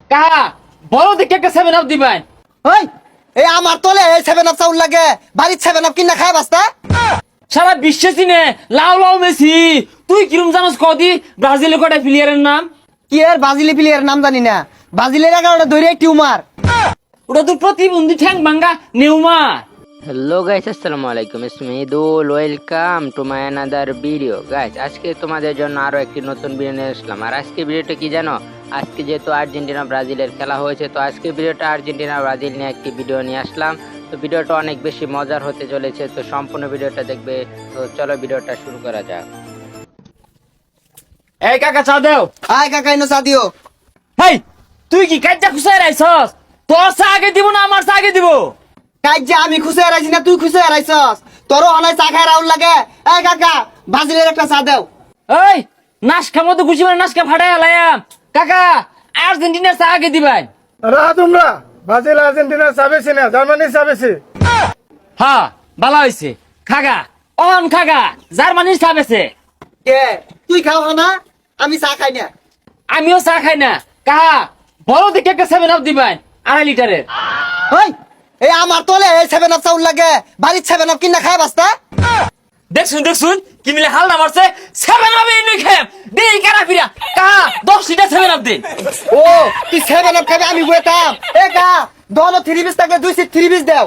কাহা বড় দেখে একটা 7 আপ দিবেন। ওই এই আমার তলে এই 7 আপ চাউল লাগে বাড়ির 7 আপ কিনা খায় বাস্তা। সারা বিশ্বে চিনে লাউ লাউ মেসি। তুই কিরম জানোস কদি ব্রাজিলের কটা প্লেয়ারের নাম? কি এর ব্রাজিলি প্লেয়ার নাম জানি না, ব্রাজিলের 11টা ধরে টিউমার। ওটা তোর প্রতিবন্ধী ঠ্যাং ভাঙ্গা নেউমার। হ্যালো গাইস, আসসালামু আলাইকুম। It's me Dul, welcome to my another video. Guys, আজকে তোমাদের জন্য আরো একটি নতুন ভিডিও নিয়ে আসলাম। আর আজকে ভিডিওটা কি জানো? আজকে যেহেতু আর্জেন্টিনা ব্রাজিলের খেলা হয়েছে, তো আজকে ভিডিওটা আর্জেন্টিনা ব্রাজিল নিয়ে একটি ভিডিও নিয়ে আসলাম। তো ভিডিওটা অনেক বেশি মজার হতে চলেছে, তো সম্পূর্ণ ভিডিওটা দেখবে। তো চলো ভিডিওটা শুরু করা যাক। এই কাকা চা দেও। আয় কাকা ইনো চা দিও। হেই তুই কি কাজটা খুশাই রাইছস? তোর চা আগে দিব না আমার চা আগে দিব? কাজ যে আমি খুশি হারাইছি না তুই খুশি হারাইছস? তোরও অনেক চা খায় রাউল লাগে। এই কাকা ব্রাজিলের একটা চা দেও। এই নাশকা মতো খুশি মানে নাশকা ফাটাই আলায়াম। কাকা আর্জেন্টিনার চা আগে দিবেন। রাহা তোমরা ব্রাজিল আর্জেন্টিনা চাবেছে না জার্মানি চাবেছে। হ্যাঁ ভালো হয়েছে। খাগা অন খাগা জার্মানির চা বেছে। কে তুই খাও না? আমি চা খাই না। আমিও চা খাই না। কাহা বড় দেখে একটা 7 আপ দিবেন 2.5 লিটারের। ওই এই আমার তলে এই 7 আপ চাউল লাগে বাড়ির 7 আপ কিনা খায় বাস্তা। দেখছুন দেখছুন কি মিলে হাল না মারছে। 7 আপ এনে খেম দেই কারা ফিরা। কাহা 10 লিটার 7 আপ দিন। ও তুই 7 আপ খাবি আমি বইতাম। এ কা দল 3 পিস থাকলে 2 সিট 3 পিস দাও।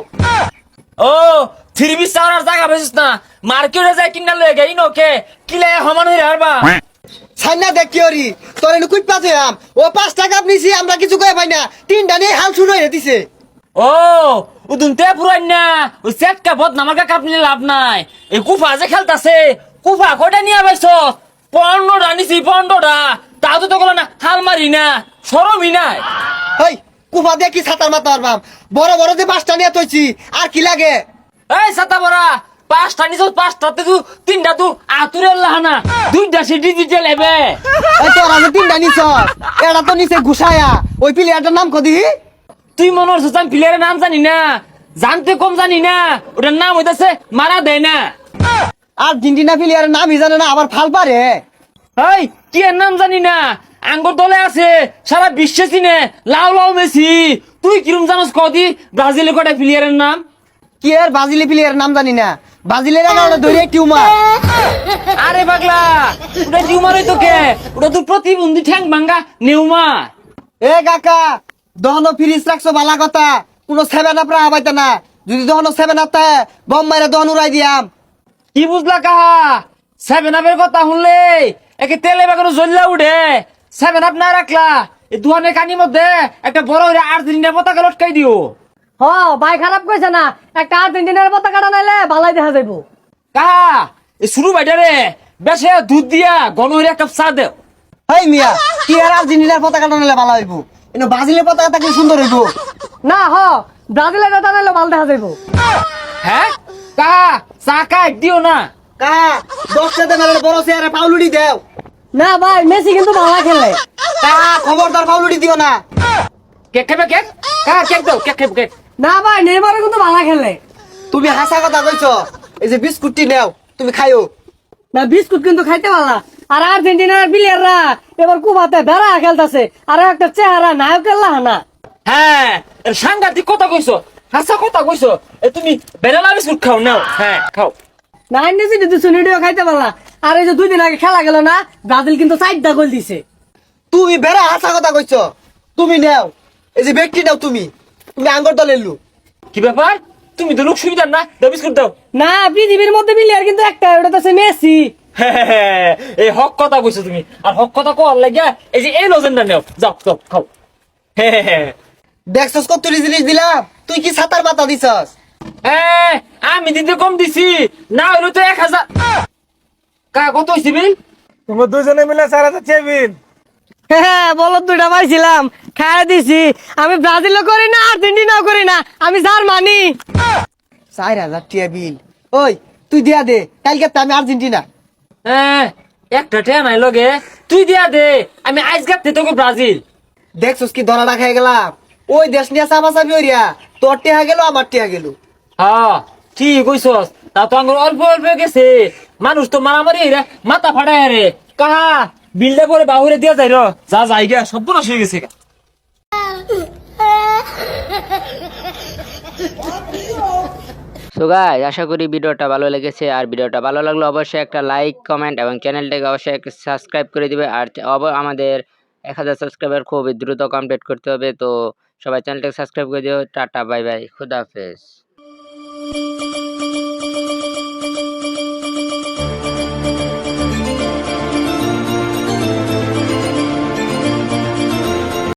ও 3 পিস চাওয়ার জায়গা পেছিস না, মার্কেটে যাই কিনা লয়ে গেই নকে কিলে সমান হইরা হারবা। সাইনা দেখ কি ওরি তোর এনে কুইট পাতে আম ও 5 টাকা নিছি আমরা কিছু কই পাই না, তিনটা নিয়ে হাল শুরু হয়ে দিছে। ও উদুনতে পুরান না ওই সেটকা বদ নামার কা কাপনি লাভ নাই। এই কুফা যে খেলতাছে কুফা কয়টা নিয়ে আইছ? 15টা নিছি 15টা। তাও তো কল না হাল মারি না শরমই নাই। হেই কুফা দিয়ে কি ছাতার মাথা মারবাম, বড় বড় যে 5টা নিয়ে তৈছি আর কি লাগে। এই সাতা বড়া 5টা নিছ 5টাতে তুই 3টা তুই আতুরের লাহানা 2টা সে ডিজিটাল এবে। এই তোরা যে 3টা নিছ এটা তো নিচে ঘুষায়া ওই প্লেয়ারটার নাম কদি? তুই মনে হচ্ছে আমি প্লেয়ারের নাম জানি না, জানতে কম জানি না। ওটার নাম হইতাছে মারা দেয় না। আর্জেন্টিনা প্লেয়ারের নামই জানে না আবার ফাল পারে। এই কি এর নাম জানি না, আঙ্গুর দলে আছে সারা বিশ্বে চিনে লাউ লাউ মেসি। তুই কিরম জানোস কদি ব্রাজিলের কটা প্লেয়ারের নাম? কি এর ব্রাজিলি প্লেয়ারের নাম জানি না, ব্রাজিলের 11টা ধরে টিউমার। আরে পাগলা ওটা টিউমার হইতো কে? ওটা তো প্রতিবন্ধী ঠ্যাং ভাঙ্গা নেউমার। এ কাকা দহনো ফ্রিজ রাখছো বালা কথা, কোনো 7 আপ রাখা পাইতা না। যদি দহনো 7 আপ থাকে বম মাইরা দহন উড়াই দিয়াম। কি বুঝলা কাহা? 7 আপের কথা শুনলে একে তেলে বেগুন জ্বললা উঠে। 7 আপ না রাখলা এই দুহানের কানির মধ্যে একটা বড় হইরা আর্জেন্টিনার পতাকা লটকাই দিও। হ ভাই খারাপ কইছে না, একটা আর্জেন্টিনার পতাকাটা নাইলে ভালাই দেখা যাইবো। কাহা এই শুরু বাইটারে বেশে দুধ দিয়া গণ হইরা একটা চা দেও। হেই মিয়া কি আর আর্জেন্টিনার পতাকাটা নিলে ভালো হইব, এনে ব্রাজিলের পতাকা থাকলে সুন্দর হইব। না হ ব্রাজিলের এটা নাইলে ভাল দেখা যাইবো। হ্যাঁ কাহা চা খাই দিও না। কাহা 10 টাকা মেলে বড় চেয়ারে পাউলুডি দেও। না ভাই মেসি কিন্তু ভালো খেলে। কাহা খবরদার পাউলুডি দিও না। কেক খাবে কেক? কাহা কেক দাও, কেক খাবে কেক। না ভাই নেইমারও কিন্তু ভালো খেলে। তুমি হাসা কথা কইছো, এই যে বিস্কুটটি নেও তুমি খাইও। না বিস্কুট কিন্তু খাইতে ভালো। আর আর্জেন্টিনার প্লেয়াররা এবার কুবাতে বেড়া খেলতেছে, আর একটা চেহারা নায়কের লাহানা। হ্যাঁ এর সাংঘাতিক কথা কইছো, হাসা কথা কইছো। এ তুমি বেনালা বিস্কুট খাও নাও। হ্যাঁ খাও। না নিজে যদি সুনিডিও খাইতে পারলা। আর এই যে 2 দিন আগে খেলা গেল না, ব্রাজিল কিন্তু 4টা গোল দিছে। তুমি বেড়া হাসা কথা কইছো, তুমি নেও এই যে ব্যক্তি নাও। তুমি তুমি আঙ্গুর দলের লোক। কি ব্যাপার? তুমি তো লোক সুবিধার না, দাও বিস্কুট দাও। না পৃথিবীর মধ্যে প্লেয়ার কিন্তু একটা, ওটা তো মেসি। হ্যাঁ, এই হক কথা কইছো তুমি। আর হক কথা কর লাগিয়া এই যে এই লজেন্ডা নেও, যাও যাও খাও। হ্যাঁ দেখছস কত জিনিস দিলাম, তুই কি ছাতার পাতা দিছস? হ্যাঁ আমি দিতে কম দিছি না, হইলো তো 1000। কা কত হইছে বিল? তোমরা দুজনে মিলে 4000 চেবিন। হ্যাঁ বলো 2টা পাইছিলাম, খাইয়া দিছি। আমি ব্রাজিলও করি না আর্জেন্টিনাও করি না, আমি জার্মানি। 4000 টিয়া বিল। ওই তুই দিয়া দে, কালকে তো আমি আর্জেন্টিনা। হ্যাঁ একটা টেয়া নাই লগে, তুই দিয়া দে। আমি আইস গাতে তোকে ব্রাজিল। দেখছস কি ধরাটা খেয়ে গেলাম, ওই দেশ নিয়ে চাপাচাপি হইয়া তোর টিয়া গেল আমার টিয়া গেল। হ্যাঁ ঠিক কইছস। তা তো আঙ্গুর অল্প অল্প গেছে, মানুষ তো মারামারি হইরা মাথা ফাটায় রে। কাহা বিলটা পরে বাহুরে দিয়া যাই র, যা যাই গা সব নষ্ট হয়ে গেছে। সো গাইস, আশা করি ভিডিওটা ভালো লেগেছে। আর ভিডিওটা ভালো লাগলে অবশ্যই একটা লাইক, কমেন্ট এবং চ্যানেলটাকে অবশ্যই একটা সাবস্ক্রাইব করে দিবে। আর আমাদের 1000 সাবস্ক্রাইবার খুব দ্রুত কমপ্লিট করতে হবে। তো সবাই চ্যানেলটাকে সাবস্ক্রাইব করে দিও। টাটা, বাই বাই, খুদা হাফেজ।